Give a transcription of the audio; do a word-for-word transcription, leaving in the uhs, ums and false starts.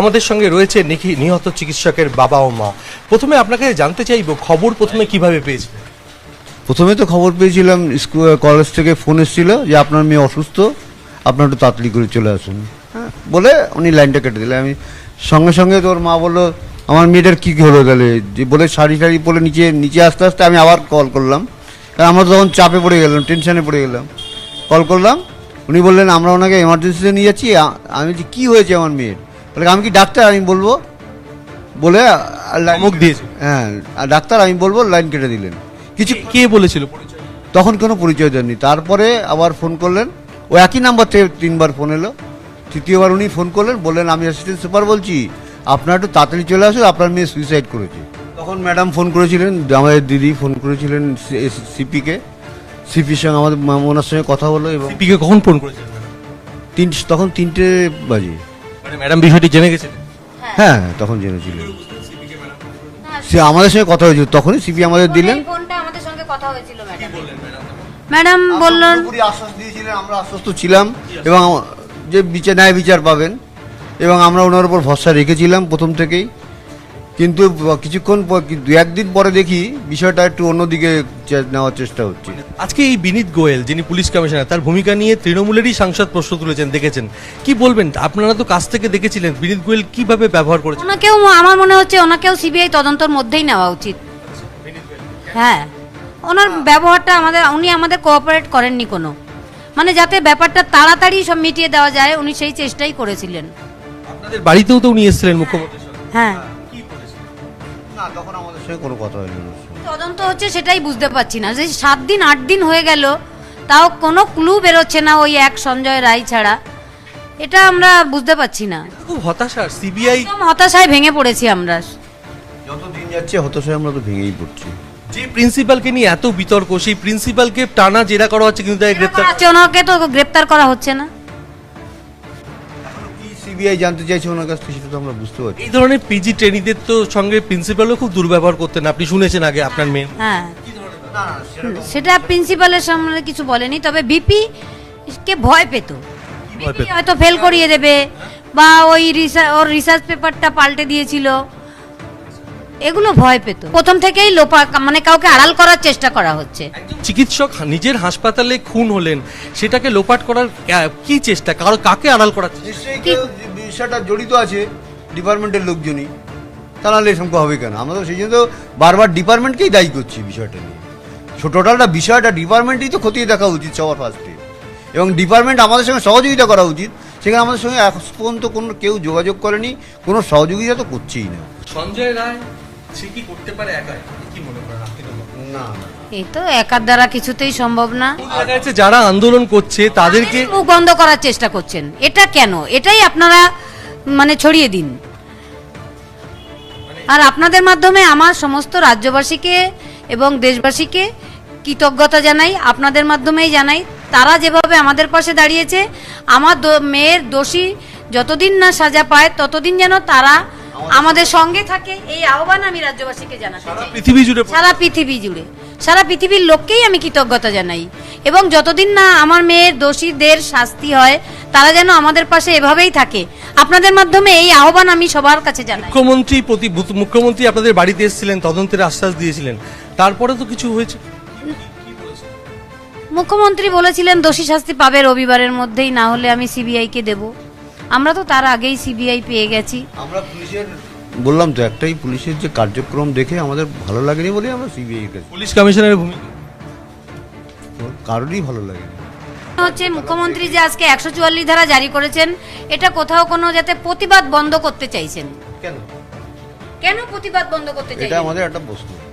আমাদের সঙ্গে রয়েছে নিহত চিকিৎসকের বাবা ও মা। প্রথমে আপনাকে জানতে চাইব, খবর প্রথমে কিভাবে পেয়েছিলেন? প্রথমে তো খবর পেয়েছিলাম, স্কুল কলেজ থেকে ফোন এসেছিল যে আপনার মেয়ে অসুস্থ, আপনার একটু তাড়াতাড়ি করে চলে আসুন, হ্যাঁ বলে উনি লাইনটা কেটে দিলেন। আমি সঙ্গে সঙ্গে তোর মা বললো আমার মেয়েটার কী হলো তাহলে, যে বলে শাড়ি শাড়ি পরে নিচে নিচে আসতে আসতে আমি আবার কল করলাম, কারণ আমরা তখন চাপে পড়ে গেলাম, টেনশানে পড়ে গেলাম। কল করলাম, উনি বললেন আমরা ওনাকে এমার্জেন্সিতে নিয়ে যাচ্ছি। আমি বলছি কী হয়েছে আমার মেয়ের? বলে আমি কি ডাক্তার, আমি বলবো বলে মুখ দিয়েছে। হ্যাঁ ডাক্তার আমি বলবো, লাইন কেটে দিলেন। কিছু কে বলেছিল পরিচয়? তখন কোনো পরিচয় দেননি। তারপরে আবার ফোন করলেন, ও একই নাম্বার থেকে তিনবার ফোন এলো। তৃতীয়বার উনি ফোন করলেন, বললেন আমি অ্যাসিস্ট্যান্ট সুপার বলছি, আপনার একটু তাড়াতাড়ি চলে আসুন, আপনার মেয়ে সুইসাইড করেছে। তখন ম্যাডাম ফোন করেছিলেন, আমাদের দিদি ফোন করেছিলেন সিপিকে, সিপির সঙ্গে আমাদের ওনার সঙ্গে কথা হলো। এবং সিপিকে কখন ফোন করেছিলেন? তিন তখন তিনটে বাজে। মানে ম্যাডাম বিষয়টি জেনে গেছিলেন? হ্যাঁ তখন জেনেছিলেন, সে আমাদের সঙ্গে কথা হয়েছিল, তখনই সিপি আমাদের দিলেন। ফোনটা আমাদের সঙ্গে কথা হয়েছিল ম্যাডাম। ম্যাডাম বললেন, পুরোপুরি আশ্বাস দিয়েছিলেন, আমরা আশ্বস্ত ছিলাম এবং যে বিচার ন্যায় বিচার পাবেন, এবং আমরা ওনার উপর ভরসা রেখেছিলাম প্রথম থেকেই। কিন্তু কিছুক্ষণ পর, দু একদিন পরে দেখি বিষয়টা একটু অন্যদিকে নেওয়ার চেষ্টা হচ্ছে। আজকে এই বিনীত গোয়েল যিনি পুলিশ কমিশনার, তার ভূমিকা নিয়ে তৃণমূলেরই সাংসদ প্রশ্ন তুলেছেন, দেখেছেন কি বলবেন? আপনারা তো কাছ থেকে দেখেছিলেন বিনীত গোয়েল কিভাবে ব্যবহার করেছেন। ওনাকেও আমার মনে হচ্ছে ওনাকেও সিবিআই তদন্তর মধ্যেই নেওয়া উচিত। হ্যাঁ, ওনার ব্যবহারটা আমাদের, উনি আমাদের কোঅপারেট করেননি কোনো, মানে যাতে ব্যাপারটা তাড়াতাড়ি সব মিটিয়ে দেওয়া যায়, উনি সেই চেষ্টাই করেছিলেন। আপনাদের বাড়িতেও তো উনি এসেছিলেন মুখ্যমন্ত্রী। হ্যাঁ, না তখন আমাদের সঙ্গে কোনো কথা হয়নি। তদন্ত হচ্ছে সেটাই বুঝতে পারছি না, যে সাত দিন আট দিন হয়ে গেল তাও কোনো ক্লু বেরোচ্ছে না ওই এক সঞ্জয় রায় ছাড়া, এটা আমরা বুঝতে পারছি না। খুব হতাশার, সিবিআই একদম হতাশায় ভেঙে পড়েছি আমরা। যত দিন যাচ্ছে হতাশায় আমরা তো ভেঙেই পড়ছি। যে প্রিন্সিপালকে নিয়ে এত বিতর্ক, সেই প্রিন্সিপালকে টানা জেরা করা হচ্ছে, কিন্তু তাই গ্রেপ্তার আছে, ওনাকে তো গ্রেপ্তার করা হচ্ছে না। কি সিবিআই জানতে চাইছে ওনার কাছ থেকে সেটা তো আমরা বুঝতে পারছি। এই ধরনের পিজি ট্রেনিদের তো সঙ্গে প্রিন্সিপালও খুব দুর্ব্যবহার করতেন, আপনি শুনেছেন আগে আপনার মেয়ে। হ্যাঁ, সেটা প্রিন্সিপালের সামনে কিছু বলেনি, তবে বিপি কে ভয় পেত, ভয় পেত? হয়তো ফেল করিয়ে দেবে, বা ওই ওর রিসার্চ পেপারটা পাল্টে দিয়েছিল, এগুলো ভয় পেত। প্রথম থেকেই লোপা, মানে কাউকে আড়াল করার চেষ্টা করা হচ্ছে। চিকিৎসক নিজের হাসপাতালে খুন হলেন, সেটাকে লোপাট করার কি চেষ্টা, কারো কাকে আড়াল করার চেষ্টা? নিশ্চয়ই কেউ বিষয়টা জড়িত আছে, ডিপার্টমেন্টের লোকজনই, তা নাহলে এরকম হবে কেন? আমরা তো সেই জন্য তো বারবার ডিপার্টমেন্টকেই দায়ী করছি বিষয়টা নিয়ে। টোটালটা বিষয়টা ডিপার্টমেন্টই তো খতিয়ে দেখা উচিত সবার ফার্স্টে, এবং ডিপার্টমেন্ট আমাদের সঙ্গে সহযোগিতা করা উচিত। সেখানে আমাদের সঙ্গে এখন পর্যন্ত কোনো কেউ যোগাযোগ করেনি, কোনো সহযোগিতা তো করছেই না। সঞ্জয় রায় সে কি করতে পারে একাই, কি মনে করেন আপনি? না, এই তো একার দ্বারা কিছুতেই সম্ভব না। দেখা যাচ্ছে যারা আন্দোলন করছে তাদেরকে মুখ বন্ধ করার চেষ্টা করছেন, এটা কেন? এটাই আপনারা মানে ছড়িয়ে দিন। আর আপনাদের মাধ্যমে আমার সমস্ত রাজ্যবাসীকে এবং দেশবাসীকে কৃতজ্ঞতা জানাই, আপনাদের মাধ্যমেই জানাই। তারা যেভাবে আমাদের পাশে দাঁড়িয়েছে, আমার মেয়ের দোষী যতদিন না সাজা পায় ততদিন যেন তারা আমাদের সঙ্গে থাকে, এই আহ্বান আমি রাজ্যবাসীকে জানাতে চাই। পৃথিবী জুড়ে, সারা পৃথিবী জুড়ে, সারা পৃথিবীর লোককেই আমি কৃতজ্ঞতা জানাই, এবং যতদিন না আমার মেয়ের দোষীদের শাস্তি হয় তারা যেন আমাদের পাশে এভাবেই থাকে। আপনাদের মাধ্যমে এই আহ্বান আমি সবার কাছে জানাই। মুখ্যমন্ত্রী প্রতি মুখ্যমন্ত্রী আপনাদের বাড়িতে এসেছিলেন, তদন্তের আশ্বাস দিয়েছিলেন, তারপরে তো কিছু হয়েছে? মুখ্যমন্ত্রী বলেছিলেন দোষী শাস্তি পাবে রবিবারের মধ্যেই, না হলে আমি সিবিআই কে দেব। আমরা তো তার আগেই সিবিআই পেয়ে গেছি। আমরা পুলিশের বললাম তো একটাই, পুলিশের যে কার্যক্রম দেখে আমাদের ভালো লাগেনি বলে আমরা সিবিআই কাছে, পুলিশ কমিশনারের ভূমিকা কারোরই ভালো লাগেনি। হচ্ছে মুখ্যমন্ত্রী যে আজকে একশো চুয়াল্লিশ ধারা জারি করেছেন, এটা কোথাও কোনো যাতে প্রতিবাদ বন্ধ করতে চাইছেন। কেন? কেন প্রতিবাদ বন্ধ করতে এটা চাইছেন? আমাদের একটা প্রশ্ন।